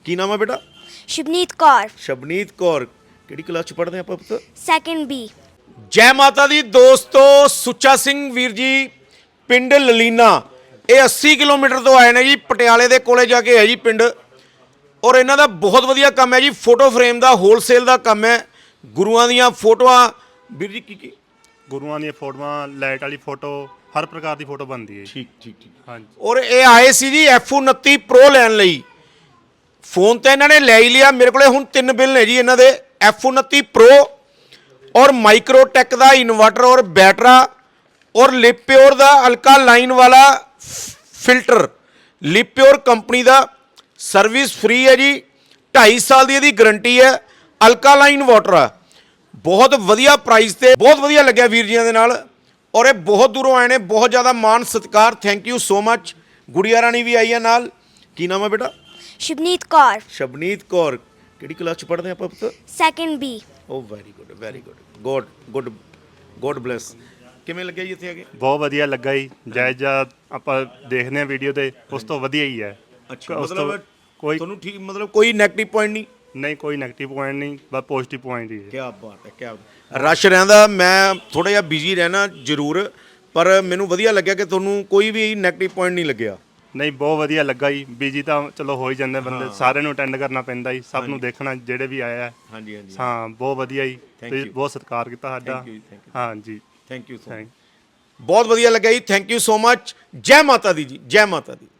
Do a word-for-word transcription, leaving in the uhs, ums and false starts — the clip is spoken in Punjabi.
ਕੀ ਨਾਮ ਹੈ ਬੇਟਾ? ਸ਼ਬਨੀਤ ਕੌਰ। ਸ਼ਬਨੀਤ ਕੌਰ ਕਿਹੜੀ ਕਲਾਸ ਚ ਪੜ੍ਹਦੇ ਆਪਾਂ ਪੁੱਤ? Second B. ਜੈ ਮਾਤਾ ਦੀ ਦੋਸਤੋ, ਸੁੱਚਾ ਸਿੰਘ ਵੀਰ ਜੀ ਪਿੰਡ ਲਲੀਨਾ, ਇਹ अस्सी ਕਿਲੋਮੀਟਰ ਤੋਂ ਆਏ ਨੇ ਜੀ, ਪਟਿਆਲੇ ਦੇ ਕੋਲੇ ਜਾ ਕੇ ਹੈ ਜੀ ਪਿੰਡ। ਔਰ ਇਹਨਾਂ ਦਾ ਬਹੁਤ ਵਧੀਆ ਕੰਮ ਹੈ ਜੀ, ਫੋਟੋ ਫਰੇਮ ਦਾ ਹੋਲਸੇਲ ਦਾ ਕੰਮ ਹੈ। ਗੁਰੂਆਂ ਦੀਆਂ ਫੋਟੋਆਂ ਵੀਰ ਜੀ, ਕੀ ਕੀ ਗੁਰੂਆਂ ਦੀਆਂ ਫੋਟੋਆਂ, ਲਾਈਟ ਵਾਲੀ ਫੋਟੋ, ਹਰ ਪ੍ਰਕਾਰ ਦੀ ਫੋਟੋ ਬਣਦੀ ਹੈ। ਠੀਕ ਠੀਕ ਠੀਕ ਹਾਂਜੀ। ਔਰ ਇਹ ਆਏ ਸੀ ਜੀ ਐਫ ਉਨੱਤੀ ਪ੍ਰੋ ਲੈਣ ਲਈ। ਫੋਨ ਤੇ ਇਹਨਾਂ ਨੇ ਲੈ ਹੀ ਲਿਆ। ਮੇਰੇ ਕੋਲੇ ਹੁਣ ਤਿੰਨ ਬਿੱਲ ਨੇ ਜੀ ਇਹਨਾਂ ਦੇ, ਐਫ ਉਨੱਤੀ ਪ੍ਰੋ ਔਰ ਮਾਈਕਰੋਟੈਕ ਦਾ ਇਨਵਰਟਰ ਔਰ ਬੈਟਰਾ ਔਰ ਲਿਪਿਓਰ ਦਾ ਅਲਕਾ ਲਾਈਨ ਵਾਲਾ ਫਿਲਟਰ। ਲਿਪਿਓਰ ਕੰਪਨੀ ਦਾ, ਸਰਵਿਸ ਫ੍ਰੀ ਹੈ ਜੀ, ਢਾਈ ਸਾਲ ਦੀ ਇਹਦੀ ਗਰੰਟੀ ਹੈ। ਅਲਕਾ ਲਾਈਨ ਵਾਟਰ ਆ, ਬਹੁਤ ਵਧੀਆ ਪ੍ਰਾਈਸ ਤੇ, ਬਹੁਤ ਵਧੀਆ ਲੱਗਿਆ ਵੀਰ ਜੀਆਂ ਦੇ ਨਾਲ। ਔਰ ਇਹ ਬਹੁਤ ਦੂਰੋਂ ਆਏ ਨੇ, ਬਹੁਤ ਜ਼ਿਆਦਾ ਮਾਣ ਸਤਿਕਾਰ, ਥੈਂਕ ਯੂ ਸੋ ਮਚ। ਗੁੜੀਆ ਰਾਣੀ ਵੀ ਆਈ ਹੈ ਨਾਲ। ਕੀ ਨਾਮ ਹੈ ਬੇਟਾ? ਸ਼ਬਨੀਤ ਕੌਰ। ਸ਼ਬਨੀਤ ਕੌਰ ਕਿਹੜੀ ਕਲਾਸ ਚ ਪੜ੍ਹਦੇ ਆਪਾਂ ਪੁੱਤ? Second B. Oh very good very good, God good God bless. ਕਿਵੇਂ ਲੱਗਿਆ ਜੀ ਇੱਥੇ ਆ ਕੇ? ਬਹੁਤ ਵਧੀਆ ਲੱਗਾ ਜੀ। ਜਾਇਜ਼ਾ ਆਪਾਂ ਦੇਖਦੇ ਹਾਂ ਵੀਡੀਓ ਤੇ, ਉਸ ਤੋਂ ਵਧੀਆ ਹੀ ਹੈ। ਅੱਛਾ, ਉਸ ਤੋਂ ਮਤਲਬ ਕੋਈ ਤੁਹਾਨੂੰ ਠੀਕ, ਮਤਲਬ ਕੋਈ ਨੈਗੇਟਿਵ ਪੁਆਇੰਟ ਨਹੀਂ? ਨਹੀਂ, ਕੋਈ ਨੈਗੇਟਿਵ ਪੁਆਇੰਟ ਨਹੀਂ, ਬਸ ਪੋਜ਼ਿਟਿਵ ਪੁਆਇੰਟ ਹੀ ਹੈ। ਕੀ ਬਾਤ ਹੈ, ਕੀ ਰਸ਼ ਰਹਿੰਦਾ। ਮੈਂ ਥੋੜਾ ਜਿਹਾ ਬਿਜ਼ੀ ਰਹਿਣਾ ਜ਼ਰੂਰ, ਪਰ ਮੈਨੂੰ ਵਧੀਆ ਲੱਗਿਆ ਕਿ ਤੁਹਾਨੂੰ ਕੋਈ ਵੀ ਨੈਗੇਟਿਵ ਪੁਆਇੰਟ ਨਹੀਂ ਲੱਗਿਆ। ਨਹੀਂ, ਬਹੁਤ ਵਧੀਆ ਲੱਗਾ ਜੀ। ਬੀਜੀ ਤਾਂ ਚਲੋ ਹੋ ਹੀ ਜਾਂਦੇ ਬੰਦੇ, ਸਾਰਿਆਂ ਨੂੰ ਅਟੈਂਡ ਕਰਨਾ ਪੈਂਦਾ ਜੀ, ਸਭ ਨੂੰ ਦੇਖਣਾ ਜਿਹੜੇ ਵੀ ਆਇਆ। ਹਾਂਜੀ ਹਾਂਜੀ ਹਾਂ, ਬਹੁਤ ਵਧੀਆ ਜੀ। Thank ਤੁਸੀਂ you. ਬਹੁਤ ਸਤਿਕਾਰ ਕੀਤਾ ਸਾਡਾ। Thank you, thank you. ਹਾਂਜੀ, thank you so much. Thank ਬਹੁਤ ਵਧੀਆ ਲੱਗਿਆ ਜੀ, ਥੈਂਕ ਯੂ ਸੋ ਮਚ। ਜੈ ਮਾਤਾ ਦੀ ਜੀ, ਜੈ ਮਾਤਾ ਦੀ।